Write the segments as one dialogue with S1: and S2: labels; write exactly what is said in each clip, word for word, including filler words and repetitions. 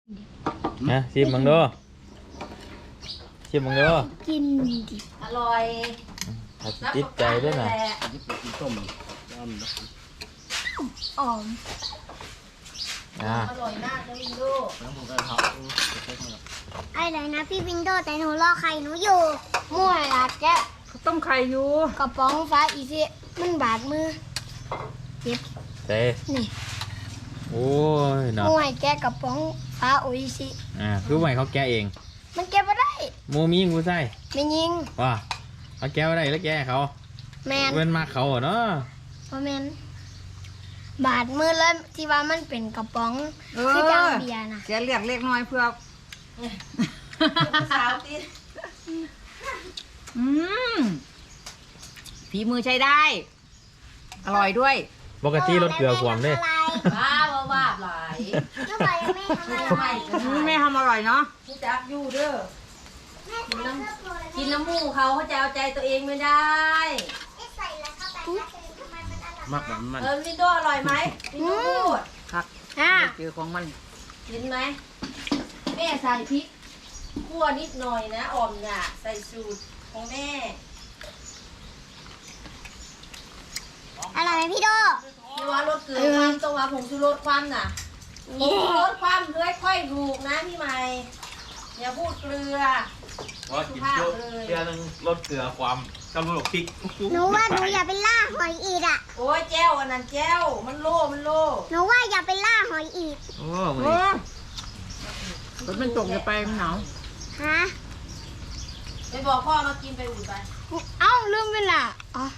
S1: นะชิมมึงดูชิมมึงดู
S2: กินดิ
S3: อร่อย
S1: ถ้าสิติดใจด้วยนะ
S4: นี่เป็นกินต้มน้ำนะ
S2: อ๋อม
S1: อ่า
S3: อร่อยมากนะวินโด
S4: แล้วผมก็ทำเช็คมา
S2: อะไรนะพี่วินโดว์แต่หนูรอไข่หนูอยู่มั่วละแกะ
S5: ต้มไข่อยู่
S2: กระป๋องฟ้าอีสิมันบาดมือเจ็บ
S1: เต้
S2: นี่
S1: โอ้ยเนาะ
S2: มั่วให้แกะกระป๋องฟ้าโออิชิ
S1: อ่าคือไม่เขาแกะเอง
S2: มันแกะไม่ได้
S1: โมมีงูใส่
S2: ไม่ยิง
S1: ว่าเขาแกะอะไรแล้วแกะเขา
S2: แมน
S1: เว้นมาเขาอะเนาะ
S2: เพราะแมนบาดมือแล้วที่ว่ามันเป็นกระป๋อง
S5: เอ
S2: คือจัง
S5: อ
S2: เบียร์นะ
S5: แกเรียกเล็กน้อยเพื่อ
S3: สาวติด
S5: อืมฝีมือใช้ได้ อร่อยด้วย
S1: ปกติรสเกลือขวมเด้
S3: บ้าว่าว่าหลาย
S2: แล้วบอกยังไม่ทำอะไร
S5: อืมแม่ทำอร่อยเนาะ
S3: พี่จักอยู่เด้อกินน้ำกินน้ำมูกเขาเขาจะเอาใจตัวเองไม่ได้
S2: ใส่แล้วเข้าไปแล้วทำไมมันอร่อย
S4: มากแบบมัน
S3: เออวินโดอร่อยไหมวินโดพูด
S5: ครับ
S2: อ่ะ
S5: เจอของมัน
S3: กินไหมแม่ใส่พริกคั่วนิดหน่อยนะอ่อมเนี่ยใส่สูตรของแม่
S2: อร่อยไหมพี่โด
S3: นี่ว่ารสเกลือความตรงว่าผงชูรสความน่ะผงชูรสความเลื้อยค่อยถูกนะพี่ใหม่อย่าพูดเกลือ
S1: ว่ากินเยอะเกลือนึงรสเกลือความกำลังพริก
S2: หนูว่าหนูอย่าไปล่าหอยอีกอ่ะ
S3: โอ้ยแจ้วอันนั้นแจ้วมันโล่มันโล่
S2: หนูว่าอย่าไปล่าหอยอีก
S1: โอ้มึง
S5: โอ้ฝนมันตกจะไปมันหนาว
S2: ฮะ
S3: ไปบอกพ่อมากินไปอุ่นไป
S2: เอ้าลืมเวลาอ๋อ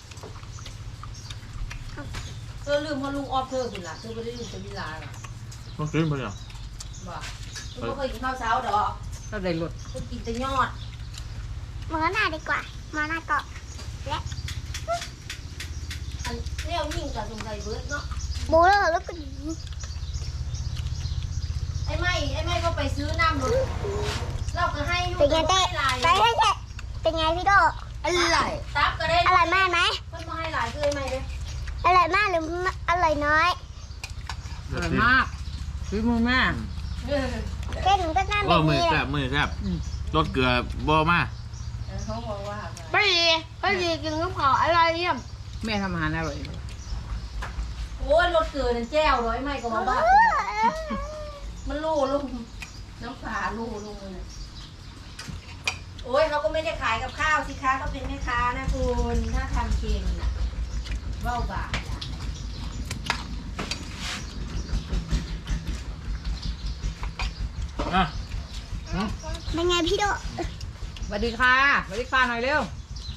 S3: เธอลืมเพราะลุงออฟเธอคุณล่ะเธอไม่ได้ลืมจะมีลาหรอ
S1: มันกินไปยัง
S3: บอกเธอไม่เคยกินข้าวเช้าดอก
S5: ก็ได้รส
S3: เธอกินแต่ยอด
S2: หมอหน้าดีกว่าหมอหน้าเกาะและ
S3: อันเลี้ยวยิ่งกับสงสัยเบิร์ดเนาะ
S2: โบเลอร์แล้วก็หนี
S3: ไอ้ไม่ไอ้ไม่ก็ไปซื้อน้ำรถเราก็ให้อยู่
S2: เป็นไงเต้
S3: หลาย
S2: ไปให้เต้เป็นไงพี่โดอร่อย
S3: ตับก็ได้
S2: อร่อยมากไหม
S3: เพิ่นมาให้หลายคือไอ้ไม่เลย
S2: อร่อยมากหรืออร่อยน้อย
S5: อร่อยมากฝีมือแม่
S3: เออ
S2: เต้หนูก็น่าแบ
S1: ว่า
S2: บ
S1: มือ
S2: นี้แห
S1: แซ่
S2: ละ
S1: บมือแซ่บ
S5: อืม
S1: รสเกลือบ่มา
S3: เขาบอกว่า
S2: ไปดีไปดีกินกับข้าวอร่อยเยี่ยม
S5: แม่ทำอาหารอร่อย
S3: โอ้ยรถเกลือนั่นแจ้วร้อยไม่ก็มาบ้ามันลู่ลงน้ำปลาลู่ลงเลยโอ้ยเขาก็ไม่ได้ขายกับข้าวสิคะเขาเป็นแม่ค้านะคุณถ้าทำเค็มน่ะเบ้าบาทอ่ะ
S1: อ่ะ
S2: เป็นไงพี่โด
S5: สวัสดีค่ะสวัสดีค่ะหน่อยเร็ว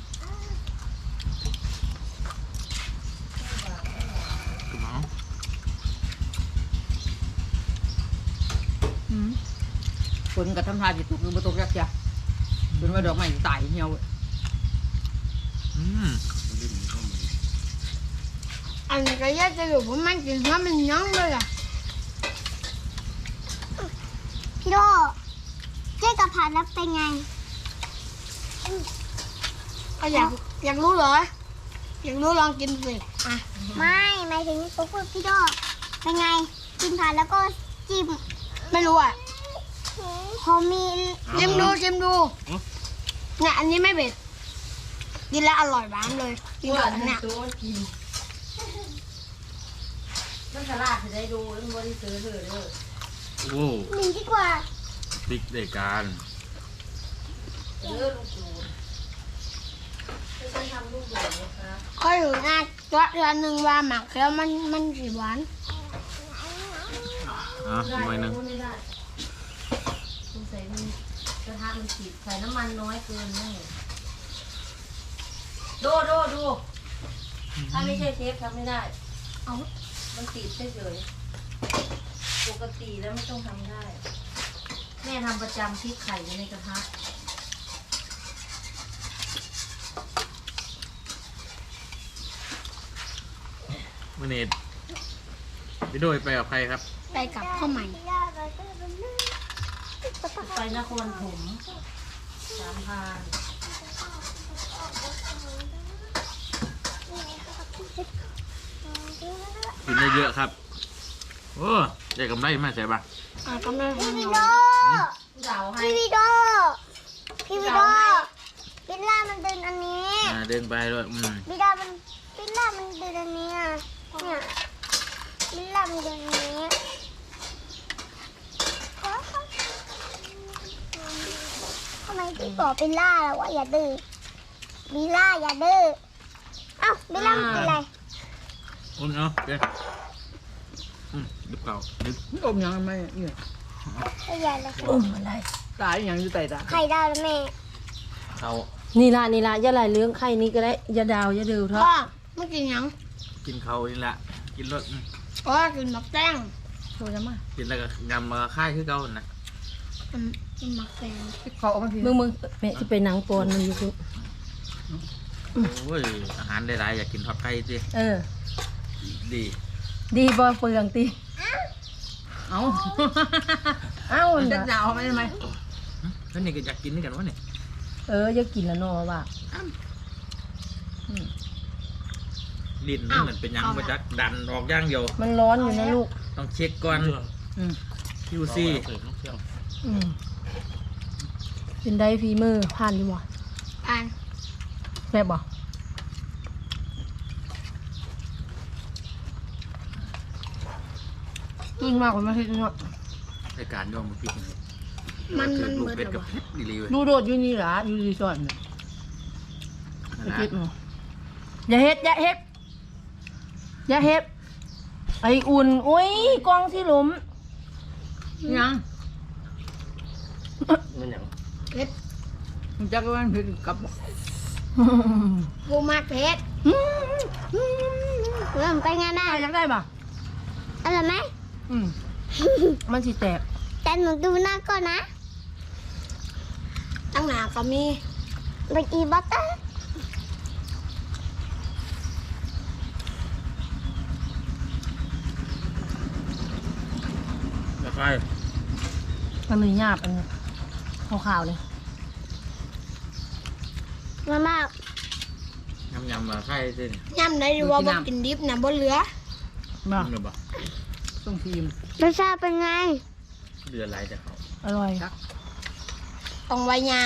S5: อืมฝนกับทำทาจิตตกหรือบ่ตกยักษ์จ้ะเป็นว่าดอกไม้ตายเหี่ยว
S1: อืม
S2: อันนี้ก็ยากจะอยู่เพราะมันกินเพราะมันยั้งเลยอ่ะพี่โดเจ๊กับผัดแล้วเป็นไงอยากอยากรู้เหรออยากรู้ลองกินสิอ่ะไม่หมายถึงตัวพูดพี่โดเป็นไงกินผัดแล้วก็จิ้มไม่รู้อ่ะพอมีชิมดูชิมดูเนี่ยอันนี้ไม่เผ็ดกินแล้วอร่อยหวานเลยกิน
S3: ว่า
S2: กับอันเนี่ย
S3: ตัวมันกินมันฉลาดจะได้ดูแล้วมันบริสุทธิ์เลยเด้อ
S1: โอ้
S2: หนีดีกว่า
S1: ติ๊กได้การ
S3: เออลูกดูไม่ใช่ทำลูกดูนะคะ
S2: ค่อยอยู่หน้าตัวเดือนหนึ่งว่าหมักแล้วมันมันสีหวาน
S1: อ่ะ
S3: ได้
S1: หน่อยหนึง
S3: ไม่ได้สงสัยมันกระทะมันติดใส่น้ำมันน้อยเกินแน่ดูดูดูถ้าไม่ใช่เชฟทำไม่ได้
S2: เอา
S3: มันติดเฉยๆปกติแล้วไม่ต้องทำได้ แม่ทำประจำพริกไข่อยู่ในกระทะ
S1: มื่อนี้พี่โดยไปกับใครครับ
S2: ไปกับพ่อใหม่
S3: ไปนครถมสามพราน
S1: กินได้เยอะครับ โอ้ได้กำไรมาใช่ปะ
S2: อ่ะก็ไม่พี่วิโด
S3: เดาให้
S2: พี่วิโดพี่วิโดบิลล่ามันเดินอันนี้
S1: อ่าเดินไปด้วยอืม
S2: บิลล่ามันบิลล่ามันเดินอันนี้อ่ะเนี่ยบิลล่ามันเดินอันนี้ทำไมพี่บอกบิลล่าแล้วว่าอย่าดื้อบิลล่าอย่าดื้อเอ้าบิลล่ามันเป็นไร
S1: อุ่นเนาะเดี๋ยวอืมดึกเก่าดึก
S5: อมยังไม่เนี่ย
S2: ไม่ใหญ่เลย
S3: อุ้มอะไร
S5: ตายยังอยู่ใต้ตา
S2: ไข่ดาวแล้วแม่
S1: เขา
S3: นี่ละนี่ละอย่าไหลเรื่องไข่นี้ก็ได้อย่าดาวอย่าดื้อเถอะ
S2: พ่อไม่กินยัง
S1: กินเขานี่แหละกินรสอืม
S2: พ่อกินหมักแตง
S3: โทรจะมา
S1: กินแล้วก็ยำมาค่ายคือเก่านะ
S2: มันกินหมักแตง
S5: เขาเอามาที
S3: มึงมึงแม่จะไปหนังปอนมันอยู่คือ
S1: โอ้ยอาหารได้หลายอยากกินทอดไก่สิ
S3: เออ
S1: ดี
S3: ดีบ่เปลืองตี
S5: เอา
S3: เอ้า
S5: มันจะ
S3: น่ะ
S5: หนาวไหมทำไม
S1: หึแล้วนี่ก็อยากกินด้วยกันวะเนี่ย
S3: เอออย่ากินแล้วเนาะว่า
S1: ลิ้นมันเหมือนเป็นหยังมาจักดันออกอย่างเดียว
S3: มันร้อนอยู่นะลูก
S1: ต้องเช็คก่อน
S5: อืม
S1: คิวซี
S3: อืมเป็นได้ฝีมือผ่านดีบ่
S2: อ่าน
S3: แซ่บบ่
S5: ยิ่งมากกว่าไม่คิดเนาะ
S1: รายการย่อมมาพิษ
S2: มัน
S1: คื
S2: มั
S1: อน ลูก
S2: เบิด
S1: เป็ด
S2: แล้ว
S1: กับ
S2: วะ
S1: เพชรดีเลยเว้ย
S5: ดูโดดอยู่นี่หรออยู่รีสอร์ทเนี่ย
S1: นั่น
S5: ไม่
S1: นะ
S5: คิดเนาะ
S3: อย่าเฮ็ดอย่าเฮ็ดอย่าเฮ็ดไออุ่นอุ้ยกล้องที่หลุม
S5: ยัง
S4: มันหยัง
S2: เผ็ด
S5: มันจะก็มันผิดกับ
S2: กูมากเผ็ดเริ่มไปงานได้
S3: ได้ยังได้ป่ะ
S2: อร่อยไหม
S3: อืมมันสิแตก
S2: แต่หนูดูหน้าก่อนนะตั้งหนาก็มีเป็นอีบัตเตอร์
S1: แล้วก็
S3: มันมีหยาบอันนี้ขาวๆเลย
S2: มามา
S1: ยำยำมาค่ายสิ
S2: ย่ำได้หรือว่าบ่กินดิบนะบ่เหลือ
S5: มา
S1: หรือเปล่า
S5: ส่งทีม
S2: รสชาติเป็นไง
S1: เดือดไรแต่เขา
S3: อร่อย
S2: ต้องไว้ยา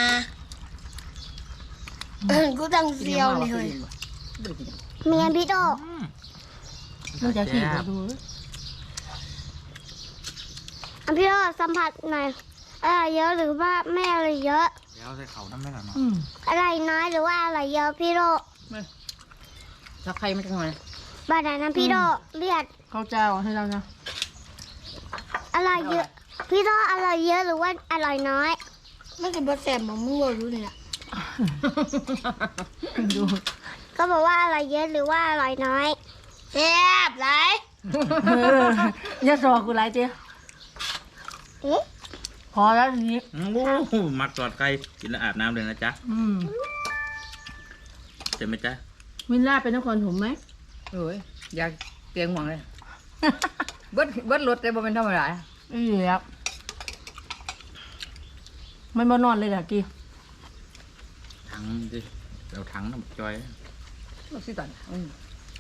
S2: เออกูต้องเซียวนี่เฮ้ยเมียพี่โต
S1: อืม
S3: มันจะสี
S1: แซ่
S3: มา
S1: บ
S3: ดู
S2: อ่ะพี่โตสัมผัสหน่อยอะไรเยอะหรือว่าไม่อะไรเยอะ
S1: แล้วใส่เขาน้ำไม่หรอเนาะ
S3: อืม
S2: อะไรน้อยหรือว่าอะไรเยอะพี่โต
S5: ถ้าใครมาจังหน่อย
S2: บ้านไหนนะพี่โตเรียก
S3: ข้าวเจ้าให้เรานะ
S2: อะไรเยอะ พี่โตอะไรเยอะหรือว่าอะไรน้อยไม่กินบะแสบของมึงรู้เนี่ย
S3: ดู
S2: ก็บอกว่าอะไรเยอะหรือว่าอะไรน้อยแซ่บไร
S3: เอออย่าสอกกูไรเจ๊
S2: เอ๊ะ
S3: พอแล้วทีนี้
S1: โอ้โหมักตอดไก่กินแล้วอาบน้ำเลยนะจ๊ะ
S3: อืม
S1: เจ็บไหมจ๊ะ
S3: วินล่าเป็นนครถมไหม
S5: โอ้ยอยากเตียงหวังเลยเบิดเบิดรถได้บ่เป็นธรรมดา
S3: อือครับมันบ่นอนเลยล่ะกี
S1: ถังดิเราถังน้ำจอย
S5: รถสิตันอืม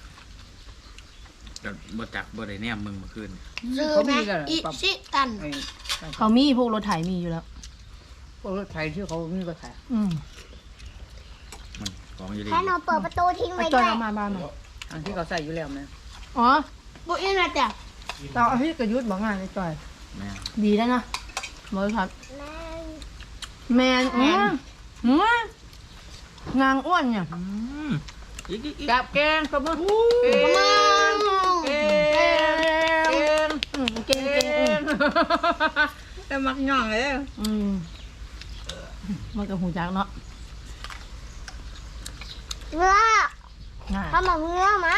S1: เราบ่จักบ่ได้แนมมึงเมื่อคืน
S2: ซื้อ
S5: เขา
S2: ไหม
S5: มีกันเหรอ
S2: อิชิตัน
S5: ไอ้
S3: เขามีพวกรถไถมีอยู่แล้ว
S5: พวกรถไถที่เขามีรถไถ
S3: อืม
S1: มันของอยู่ดี
S2: แค่หนูเปิดประตูทิ้ง
S3: ไอ้
S2: ไว้
S3: จอ
S2: ด้วย ย
S3: เอามาบ้านมา
S5: อันที่เขาใส่อยู่แล้วนะ
S3: อ๋อ
S2: บุอินนะจ๊ะ
S3: เราเอาพี่กระยุทธ์บอกงานไอ้จอย
S1: แม่
S3: ดีแล้วนะบริษัทแมนอืมอืมงางอ้วนเนี่ย
S1: อืมอีกอีกอีก
S5: กับแกงกระเบื้องเก
S2: ประมาณ
S5: งเกง
S3: อืมเก่งเก่งอืม
S5: แต่มักย่องเลย
S3: อืมมันกับหูจักเนาะ
S2: เนื้อ
S3: น่า
S2: ทำแบบเนื้อมะ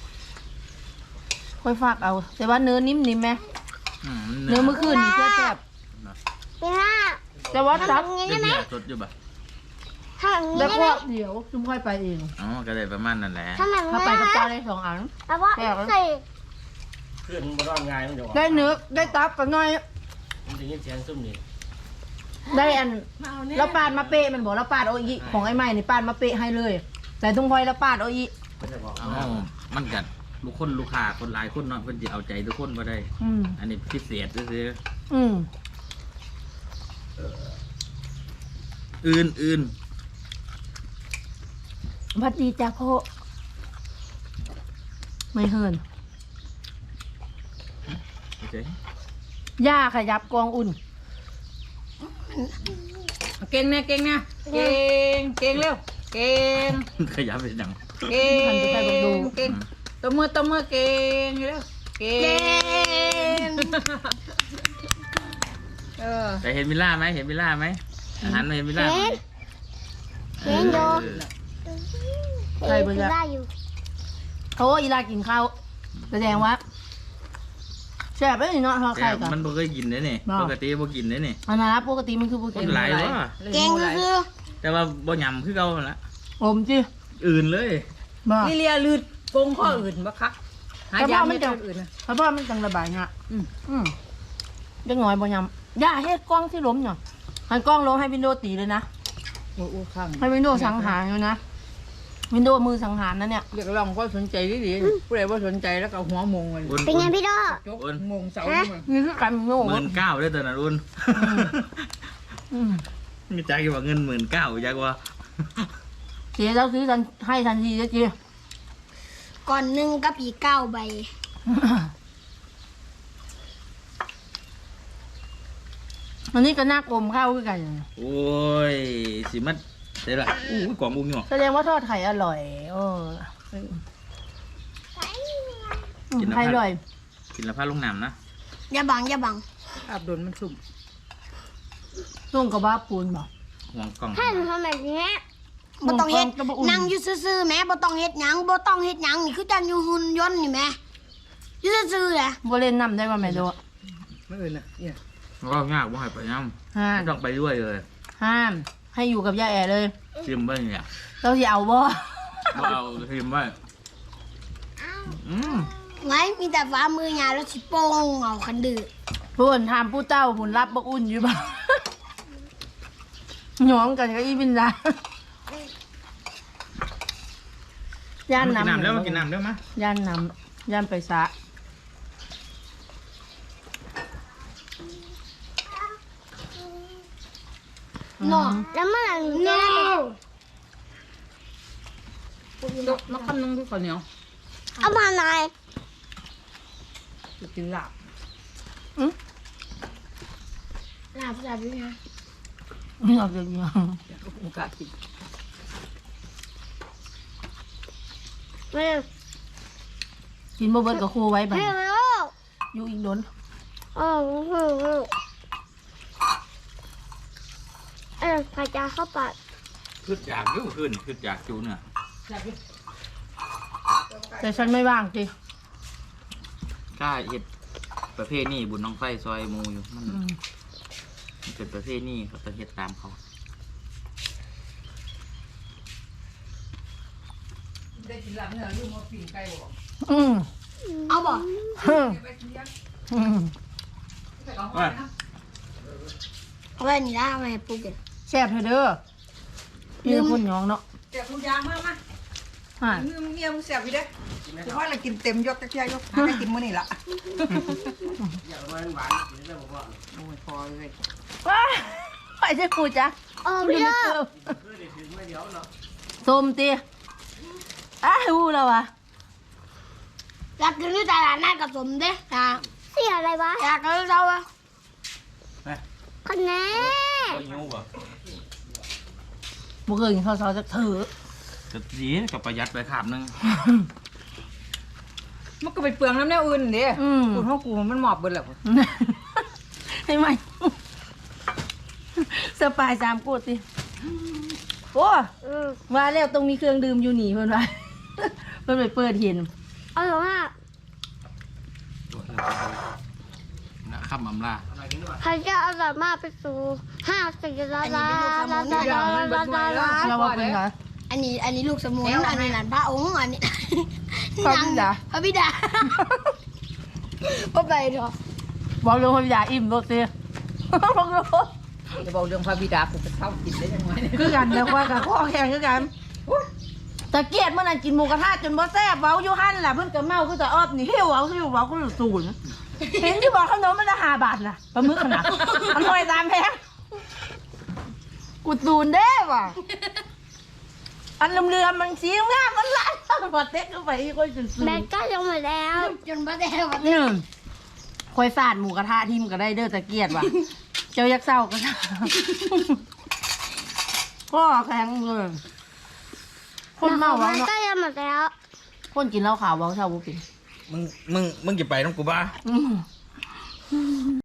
S3: ค่อยฝากเอา แต่ว่าเนื้อนิ่มๆไหม
S1: อืม
S3: เนื้อเมื่อคืนนี่แซ่บ
S2: พี่หน้า
S3: ๆแต่ว่าจับ
S2: ทำอย่างนี้
S1: เดี๋
S2: ได้
S1: ยว
S2: ไหม
S1: เดี๋ยวสดอยู่ป่ะ
S2: ทำอย่างนี้
S3: แล้ว
S2: ได้
S3: ก็
S2: ไหม
S3: เดี๋ยวจุ่มค่อยไปเอง
S1: อ๋อก็ได้ประมาณนั่นแหละ
S2: ทำแบบ
S3: ถ้า
S2: เนื้
S3: ไป
S2: อ
S3: กับ
S2: นะ
S3: เจ้าได้สองอัน
S2: แล้วว่า
S3: แซ่บ
S2: ใส่
S4: เพื่อนบ่ร้อนง่ายมันจะออก
S3: ได้เนื้อได้ตับกันหน่อย
S4: มันจะยินเสียงซุ่มนี่
S3: ได้อันแล้วปาดมาเปะมันบอกแล้วปาดโอาอีของไอ้ใหม่นี่ปาดมาเปะให้เลย แต่ทุ่งพลอยแล้วปาดโอาอี
S4: มันจะบอก
S1: อ๋อมันกัดลูกคนลูกค้าคนหลายคนเนาะเพิ่นสิเอาใจทุกคนบ่ได้
S3: อืม
S1: อันนี้พิเศษซื่อ
S5: อืม
S1: อื่นอื่น
S5: พัดดีจ้าพ่อไม่เฮิน
S1: โอเค
S5: ย่าขยับกองอุ่น เก่งนะเก่งนะเก่งเก่งเร็วเก่ง
S1: ขยับเป็นอย่าง
S5: เก่งเก่งตัวมือตัวมือเก่งเร็วเก่งเออ
S1: แต่เห็นมิล่าไหมเห็นมิล่าไหมอาหารเห็นมิล่าไหม
S2: เห็นอยู่
S5: ใครบ้าง
S2: ได้อยู่
S5: โอ้อีลากินข้าวแสดงว่าแซ่บเลยเนาะทอด
S1: แต่
S5: ไข่กัน
S1: มันบ่เคยกินเด้นี่
S5: บ่
S1: ปกติบ่กินเด้นี่
S5: อันนั้นปกติมันคือปก
S1: ค
S5: ติ
S1: นหลายว่ะ
S2: เก่งคือ
S1: แต่ว่าบ่ยำคือเก่าหั่นละ
S5: อมจิ
S1: อื่นเลย
S5: บ่
S3: ลิเลียลืดโกงข้ออื่นบ่คักหายาไม่จังอื่นนะ
S5: เพราะว่ามันจังระบายเนาะอืมอืมจังหน่อยบ่ยำย่าเฮ็ดกล้องที่ล้มเนาะให้กล้องล้มให้วินโดว์ตีเลยนะ
S3: โอ้โหข้าง
S5: ให้วินโดว์สังหารอยู่นะวินโดว์มือสังหารนั่นเนี่ย
S3: เรียกร้องก็สนใจดีๆผู้ใดว่าสนใจแล้วก็หัวมงเลย
S1: อุ่น
S2: เป็นไงพี่โด
S3: จกมงเสา
S5: นี่คือการโง่
S1: หมื่นเก้าได้อตอนนั้นอุ่น
S5: อืม
S1: มีจักอยู่ว่าเงินหมื่นเก้าจักว่า
S5: เจ๊เราซื้อทันให้ทันทีเจ๊
S2: ก่อนหนึ่งกับอีกเก้าใบ
S5: อันนี้ก็น่ากลมข้าวคือกัน
S1: โอ้ยสิมันได้ละอู้ยกล่องอุ้งอยู่
S5: แสดงว่าทอดไข่อร่อยเออไข่อร่อย
S1: กินแล้วพาลงน้ำนะ
S2: อย่าบังอย่าบัง
S3: อาบโดนมันสุ่ม
S5: ส่งกับบ้าปูนบอก
S1: ห่วงกล่อง
S2: ถ้าหนูทำแบบนี้บ่ต้องเฮ็ดนั่งอยู่ซื่อๆแม่บ่ต้องเฮ็ดหยังบ่ต้องเฮ็ดหยังนี่คือจังอยู่หุ่นยนต์นี่แม่อยู่ซื่อๆแหละ
S5: โบเล่นน้ำได้ว่าไม่รู้
S3: ไม่อื่นนะเนี่ย
S1: ก็ยากบ่ให้ไปน้
S5: ห้า
S1: ำ
S5: ม
S1: ไม่ต้องไปด้วยเลย
S5: ห้าม ให้อยู่กับย่าแอเลย
S1: ชิมไว้เนี่ย
S5: เราจะเอาบ่
S1: บ่เอาชิมไว้อืม
S2: ไงมีแต่ฟ้ามือยาแล้วสิโป้งเอาคันดื้อ
S5: พูนทำผู้เจ้าผุนรับบักอุ่นอยู่บ่หยองกันก็อีบินดาย่าน
S1: กิน
S5: น้ำ
S1: น้ำแล้วมากินน้ำแล้วมั้ย
S5: ย่านน้ำย่านไปสะ
S2: เนาะแล้วมันเนาะ
S3: นักคำนึงด้วยข้าวเหนียว
S2: เอามาหน่อย
S3: จะกินลาบ
S2: ลาบลาบด้วยนะ
S5: ไม่เอาเยอะ
S3: อยากโอกาสกิน
S2: ไม่
S5: ๆกินบ่เบิดกับครูไว้บัด
S2: ไม่
S5: นี้
S2: ไม่
S5: อยู่อีกโดน
S2: เออเออเออเออพายาเข้าปาก
S1: ขึ้นอยากอยู่ขึ้นขึ้นอยากจูเนี่ย
S5: แต่ฉันไม่ว่างจิ
S1: กล้าเฮ็ดประเภทนี้บุญน้องไฟซอยหมูอยู่มัน
S5: อืม
S1: มันเป็นประเภทนี้เขาจะเฮ็ดตามเขา
S3: ได้กินลาบเนี่ยลูกมาปีนไก่บอก
S5: อืม
S2: เอาบ่
S5: อืม
S3: ไปกินยัง
S5: อืม
S3: ไปเอาห้อยนะ
S2: เอาไว้นี่ละเอาไว้ให้ปูกิน
S5: แซ่บเถอะเด้อนี่คนหยองเนาะ
S3: แจกคุณยางมากมา
S5: ฮ่า
S3: มือเมียมึงเสียบอยู่เด้ถือว่าเรากินเต็มยกตะเกียบยกหาได้กินมื้อนี่ละ
S4: อยากมันหวานกินได้บ่พอ
S3: โอ้ยพอเลย
S5: ว้าไปเจ้ากูจ้ะ
S2: เออพี่เด้อ
S4: คือได้ถึงไม่เดียวเนาะ
S5: ส้มตีอ้าวรู้แล้ววะ
S2: อยากกินที่ตลาดนัดกับสมเด้จ้าเสียอะไรวะอยากกินเราอะคนแน่
S1: ก็ยิ้วบ่
S5: บ่เคยกินข้าวซอยสักเถอะ
S1: ก็ดีกับประหยัดไปขาบนึง
S3: มันก็ไปเปลืองน้ำแนวอื่นเด้
S5: อืม
S3: คุณพ่อกูมันหมอบเบิดแล้ว
S5: ให้ไหมสปายสามกูติโอ้
S2: อืม
S5: ว่าแล้วตรงมีเครื่องดื่มอยู่หนีเพิ่นว่า เพิ่นไปเปิดเห็น
S2: อร่อยมาก
S1: นะข้ามอำลา
S4: อะไรกินด้วย
S2: ใครจะอร่อยมากไปสู่ห้าสี่ล้านล้านล้านล้านล้านล้านล้านล้าน
S5: เราว่าเป็นไง
S2: อันนี้อันนี้ลูกสมุนอันนี้หลานพระองค์อันนี้
S5: พระบิดา
S2: พระบิดาพ่อไปเถอะ
S5: บอกเรื่องคนอยากอิ่มโดดเสียบอกเลย
S3: จะบอกเรื่องพระบิดากูจะเข้ากินได้ยังไง
S5: คือกันแล้วว่ากับข้อแข่งคือกันตะเกียดเมื่อนั้นกินหมูกระทะจนบ่แซ่บเว้าอยู่หั่นล่ะเพิ่นก็เมาคือจะออบนี่หิวเอาหิวเว้าคือศูนย์
S3: เห็นที่บอกขนมมันละห้าบาทน่ะปลาหมึกขนาดมันหอยตามแพงกูตูนเด้ว่ะอันเรือมันสีงามมันล้านพอเต็กเข้าไปอีกคนสุด
S2: แบตก็ลงหมดแล้วจนบ้าแดง
S3: ๆนี่คอยสาดหมูกระทะทิมก็ได้เด้อตะเกียดว่ะเจ้ายักษ์เศร้าก็พ่อแข็งเลยคนเมา
S2: แบ
S3: วะ
S2: ต
S3: เนาะ
S2: ก็ยังหมดแล้ว
S3: คนกินเหล้าขาวเว้าเช่าบุปิน
S1: มึงมึงมึงจะไปน้องกูบ้า
S3: อืม